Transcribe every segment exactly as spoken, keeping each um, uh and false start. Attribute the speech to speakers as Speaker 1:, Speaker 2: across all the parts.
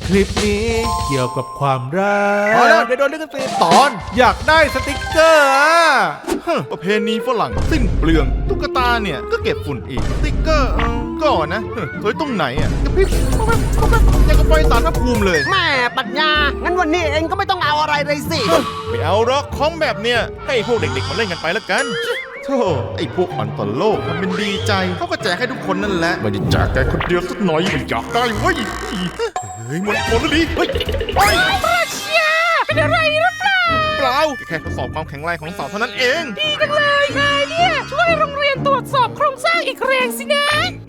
Speaker 1: คลิปนี้เกี่ยวกับความรัก
Speaker 2: พอแล้วเดี๋ยวโดนลิขสิทธิ์ตอน
Speaker 1: อยากได้สติกเกอร์อะ
Speaker 2: ฮะประเพณีฝรั่งสิ้นเปลืองตุ๊กตาเนี่ยก็เก็บฝุ่นอีกสติ๊กเกอร์เออก่อนนะเฮ้ยสวยตรงไหนอ่ะกระพริบป๊อบแป๊บป๊อบแป๊บยังกับไฟสารพระภูมิเลย
Speaker 3: แม่ปัญญา งั้นวันนี้เองก็ไม่ต้องเอาอะไรเลยสิ
Speaker 2: ไม่เอาหรอกของแบบเนี้ยให้พวกเด็กๆมาเล่นกันไปแล้วกันโธ่ไอ้พวกอ่อนต่อโลกทำเป็นดีใจเขาก็แจกให้ทุกคนนั่นแหละไม่ได้แจกแกคนเดียวสักหน่อยไม่อยากได้เว้ยเฮ้ยหมดหมดแล้วดิเฮ้ยเฮ้ย
Speaker 4: เชียเป็นอะไรหรือเปล่า
Speaker 2: เปล่าแค่ทดสอบความแข็งแรงของเสาเท่านั้นเอง
Speaker 4: ดีจังเลยนายเนี่ย ช่วยโรงเรียนตรวจสอบโครงสร้างอีกแรงสินะ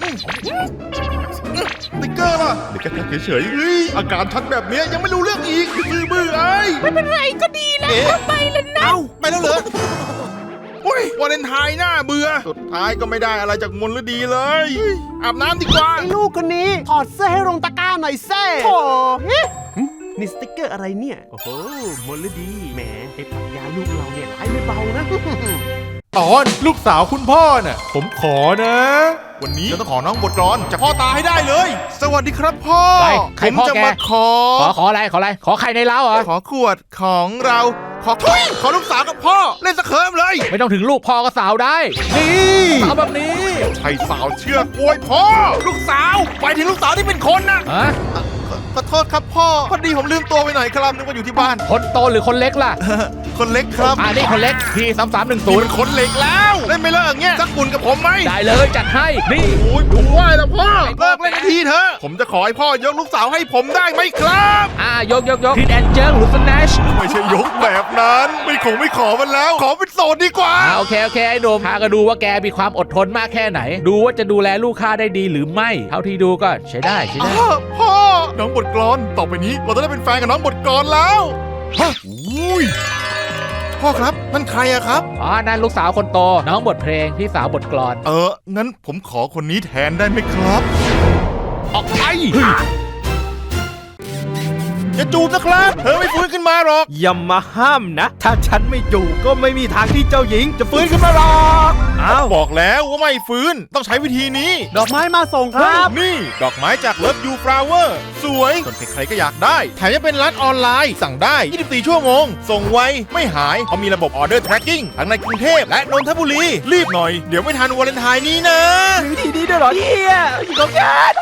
Speaker 2: สติ๊กเกอร์ล่ะเด็กก็แค่เฉยๆเฮ้ยอาการชัดแบบเนี้ยยังไม่รู้เรื่องอีกคือมือไอ้
Speaker 4: ไม่เป็นไรก็ดีแล้ว
Speaker 2: เอ๊ะ
Speaker 4: ไปแล้วนะ
Speaker 2: เอ้าไปแล้วเหรอโอ้ยวาเลนไทน์หน้าเบื่อสุดท้ายก็ไม่ได้อะไรจากมนฤดีเลยเฮ้ยอาบน้ำดีกว่า
Speaker 3: ไอ้ลูกคนนี้ถอดเสื้อให้ลงตะกร้าหน่อยเซ่โถเฮ้ยหึนี่สติ๊กเกอร์อะไรเนี่ย โอ้โหมลดีแหมไอ้ปัญญาลูกเราเนี่ยร้ายไม่เบานะ
Speaker 1: ตอนลูกสาวคุณพ่อน่ะผมขอนะ
Speaker 2: วันนี้จะต้องขอน้องบทกลอนจากพ่อตาให้ได้เลย สวัสดีครับพ่อ
Speaker 5: อะไรใค
Speaker 2: ผ
Speaker 5: ร
Speaker 2: ม
Speaker 5: พ่อ
Speaker 2: จะ
Speaker 5: แก
Speaker 2: มาขอ
Speaker 5: ขอขออะไรขออะไรขอใครในเล้าเหรอ
Speaker 2: ขอขวดของเราขอทุยขอลูกสาวกับพ่อเล่นสะเคิมเลย
Speaker 5: ไม่ต้องถึงลูกพ่อก็สาวได้
Speaker 2: นี่
Speaker 5: สาวแบบนี้
Speaker 2: ใช่สาวเชื่อกล้วยพ่อลูกสาวไปถึงลูกสาวที่เป็นคนนะ
Speaker 5: ฮะ
Speaker 2: ขอโทษครับพ่อพอดีผมลืมตัวไปหน่อยครับนึกว่าอยู่ที่บ้าน
Speaker 5: คนโตหรือคนเล็กล่ะ
Speaker 2: คนเล็กครับ
Speaker 5: อ่านี่คนเล็กทีสามสามหนึ่งศู
Speaker 2: นี่
Speaker 5: น
Speaker 2: เป็
Speaker 5: ย์
Speaker 2: นคนเล็กแล้วเล่นไม่เลิกอย่างเงี้ยสักปุ่นกับผมไหม
Speaker 5: ได้เลยจัดให้นี่
Speaker 2: โอ้ยผมไหวแล้วพ่อเลิกเล่นทีเถอะผมจะขอให้พ่อยกลูกสาวให้ผมได้ไหมครับ
Speaker 5: อ่ายกยกยกทิดแอนเจิงหรือสแนช
Speaker 2: ไม่ใช่ยกแบบนั้น ไม่คงไม่ขอมันแล้ว ขอเป็นโสดดีกว่า
Speaker 5: อ่าโอเคโอเคไอ้หนุ่มพาก็ดูว่าแกมีความอดทนมากแค่ไหน ดูว่าจะดูแลลูกค้าได้ดีหรือไม่ เท่าที่ดูก็ใช้ได้ใช้ได้
Speaker 2: อ้าวพ่อ น้องบทกลอน ต่อไปนี้เราจะได้เป็นแฟนกับน้องบทกลอนแล้วฮะอุ้ยพ่อครับนั่นใครอะครับ
Speaker 5: อ๋อนั่นลูกสาวคนโตน้องบทเพลงพี่สาวบทกลอน
Speaker 2: เออ งั้นผมขอคนนี้แทนได้ไหมครับ
Speaker 5: ออกไป
Speaker 2: อย่าจูบนะครับเธอไม่ฟื้นขึ้นมาหรอก
Speaker 6: อย่ามาห้ามนะ ถ้าฉันไม่อยู่ก็ไม่มีทางที่เจ้าหญิงจะฟื้นขึ้นมาหรอกอ้าว
Speaker 2: บอกแล้วว่าไม่ฟื้น ต้องใช้วิธีนี้
Speaker 3: ดอกไม้มาส่งครับ
Speaker 2: นี่ ดอกไม้จาก Love You Flower สวยจนใครๆก็อยากได้ แถมยังเป็นร้านออนไลน์ สั่งได้ ยี่สิบสี่ ชั่วโมง ส่งไว ไม่หายเขามีระบบ Order Tracking ทั้งในกรุงเทพและนนทบุรี รีบหน่อย เดี๋ยวไม่ทันวาเลนไทน์นี้นะ
Speaker 6: มีวิธีนี้ด้วยเหรอเนี่ยอยู่กับฉัน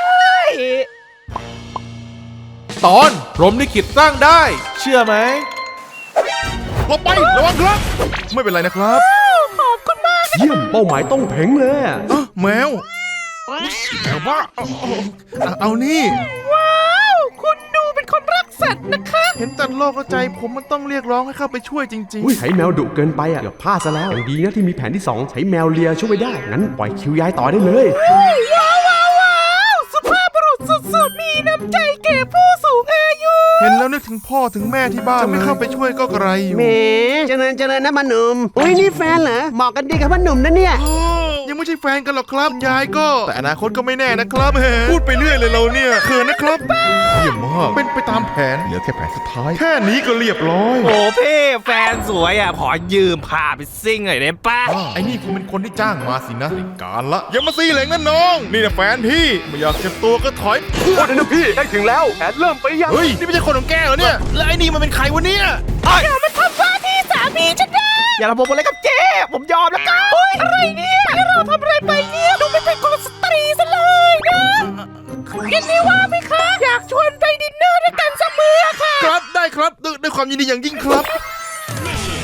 Speaker 1: ตอนพรหมลิขิตสร้างได้ เชื่อไหม
Speaker 2: หลบไประวังครับ ไม่เป็นไรนะครับ
Speaker 4: ขอบคุณมาก
Speaker 6: เยี่ยมเป้าหมายต้องเพ่งเลยอะ
Speaker 2: อ้าวแมวแมวบ้าเอาเอาเอาเอานี่
Speaker 4: ว้าว คุณดูเป็นคนรักสัตว์นะคะ
Speaker 2: เห็นแต่โลกเข้าใจผมมันต้องเรียกร้องให้เข้าไปช่วยจริง
Speaker 6: อุ้ยใช้แมวดุเกินไปอ่ะเกือบพลาดซะแล้วอย่างดีนะที่มีแผนที่สองใช้แมวเลียช่วยได้ งั้นปล่อยคิวยายต่อได้เลย
Speaker 4: ว้าวว้าวว้าวสุภาพบุรุษสุดๆ มีน้ำใจแก่ผู้สูงอายุ
Speaker 2: ๆ เห็นแล้วนึกถึงพ่อถึงแม่ที่บ้านจะไม่เข้าไปช่วยก็กระไรอยู่
Speaker 3: แหมเจริญเจริญนะมันหนุ่มอุ้ยนี่แฟนเหรอ เหมาะกันดีกับมันหนุ่มนะเนี่ย
Speaker 2: อ้าวยังไม่ใช่แฟนกันหรอกครับยายก็ แต่อนาคตก็ไม่แน่นะครับแหมพูดไปเรื่อยเลยเราเนี่ยเขินนะครับเยี่ยมมากเป็นไปตามแผนเหลือแค่แผนสุดท้าย แค่นี้ก็เรียบร้อย
Speaker 6: โอ้พี่แฟนสวยอ่ะขอยืมพาไปซิ่งหน่อยได้ปะ
Speaker 2: อ้าวไอ้นี่คงเป็นคนที่จ้างมาสินะการละอย่ามาซีเหลงนะน้อง นี่นะแฟนพี่ไม่อยากเจ็บตัวก็ถอย
Speaker 6: โอ้เดี๋ยวนะพี่ได้ถึงแล้วแผนเริ่มไปยัง
Speaker 2: เฮ้ยนี่ไม่ใช่คนของแกเหรอเนี่ยแล้วไอ้นี่มันเป็นใครวะเนี่ย
Speaker 4: อย่ามาทำว่าที่สามีฉันนะ
Speaker 6: อย่าระบบอะไรกับเจ๊ผมยอมแล้วกัน
Speaker 4: โอ๊ยอะไรเนี่ยแล้วเราทำอะไรไปเนี่ย ดูไม่เป็นคนสตรีซะเลยนะยินดีว่าไหมคะ อยากชวนไปดินเนอร์ด้วยกันเสมอค่ะ
Speaker 2: ครับได้ครับด้วยด้วยความยินดีอย่างยิ่งครับ